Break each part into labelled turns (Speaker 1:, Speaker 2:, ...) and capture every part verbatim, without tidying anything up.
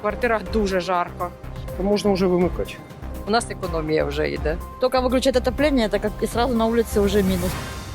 Speaker 1: квартирах дуже жарко.
Speaker 2: То можна вже вимикати.
Speaker 3: У нас економія вже йде.
Speaker 4: Только выключать отопление, так как и сразу на улице уже минус.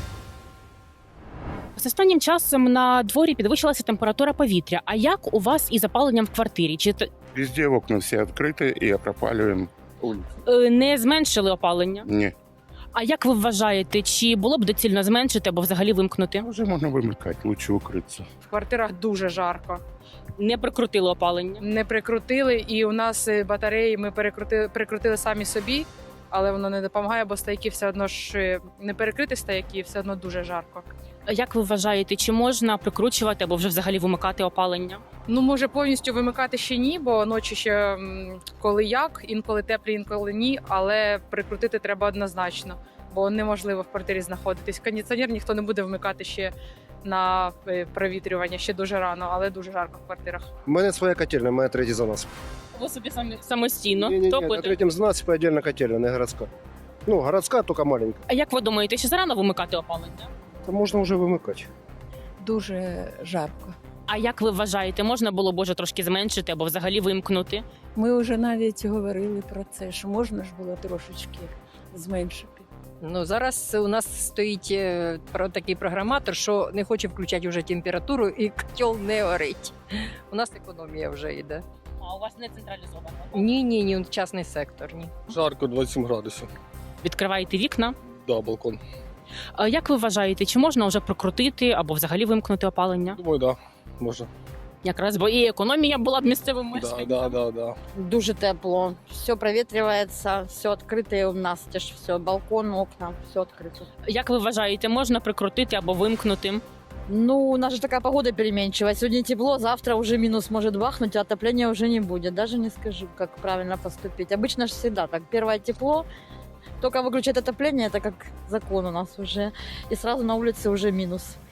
Speaker 5: З останнім часом на дворі підвищилася температура повітря. А як у вас із опаленням в квартирі? Чи т-
Speaker 6: Везде окна все открыты и пропаливаем улицу.
Speaker 5: е, не зменшили опалення?
Speaker 6: Не,
Speaker 5: А як ви вважаєте, чи було б доцільно зменшити або взагалі вимкнути?
Speaker 6: уже можно вымыкать, лучше укрыться.
Speaker 1: В квартирах дуже жарко.
Speaker 5: Не прикрутили опалення?
Speaker 1: Не прикрутили, і у нас е, батареї ми перекрутили, прикрутили самі собі, але воно не допомагає, бо стояки все одно ж е, не перекрити стояки, все одно дуже жарко.
Speaker 5: Як ви вважаєте, чи можна прикручувати або вже взагалі вимикати опалення?
Speaker 1: Ну, може, повністю вимикати ще ні, бо ночі ще м, коли як, інколи теплі, інколи ні, але прикрутити треба однозначно, бо неможливо в квартирі знаходитись. Кондиціонер ніхто не буде вмикати ще на е, провітрювання, ще дуже рано, але дуже жарко в квартирах.
Speaker 2: У мене своя котельня, моя третій за нас.
Speaker 5: Ви собі самі самостійно
Speaker 2: Ні-ні-ні, на
Speaker 5: топите?
Speaker 2: третьому за нас отдельна котельня, не городська. Ну, городська, тільки маленька.
Speaker 5: А як ви думаєте, чи зарано вимикати опалення?
Speaker 2: То можна вже вимикати.
Speaker 7: Дуже жарко.
Speaker 5: А як ви вважаєте, можна було б уже трошки зменшити або взагалі вимкнути?
Speaker 7: Ми вже навіть говорили про це, що можна ж було трошечки зменшити.
Speaker 3: Ну зараз у нас стоїть е, про такий програматор, що не хоче включати вже температуру і котел не горить. У нас економія вже йде.
Speaker 5: А у вас не централізовано?
Speaker 3: Ні, ні, ні, частний сектор. Ні.
Speaker 8: Жарко, двадцять сім градусів.
Speaker 5: Відкриваєте вікна?
Speaker 8: Да, балкон.
Speaker 5: А як ви вважаєте, чи можна вже прокрутити або взагалі вимкнути опалення?
Speaker 8: Думаю, да, можна.
Speaker 5: Якраз бо і економія була б місцевим
Speaker 8: Да,
Speaker 5: мешканцям.
Speaker 8: да, да, да.
Speaker 4: Дуже тепло. Все проветривается, все открытое у нас. Все, балкон, окна, все открыто.
Speaker 5: Як ви вважаєте, можна прикрутити або вимкнути?
Speaker 4: Ну, у нас же такая погода переменчивая. Сегодня тепло, завтра уже минус может бахнуть, а отопления уже не будет. Даже не скажу, как правильно поступить. Обычно же всегда так. Первое тепло, только выключать отопление, это как закон у нас уже. И сразу на улице уже минус.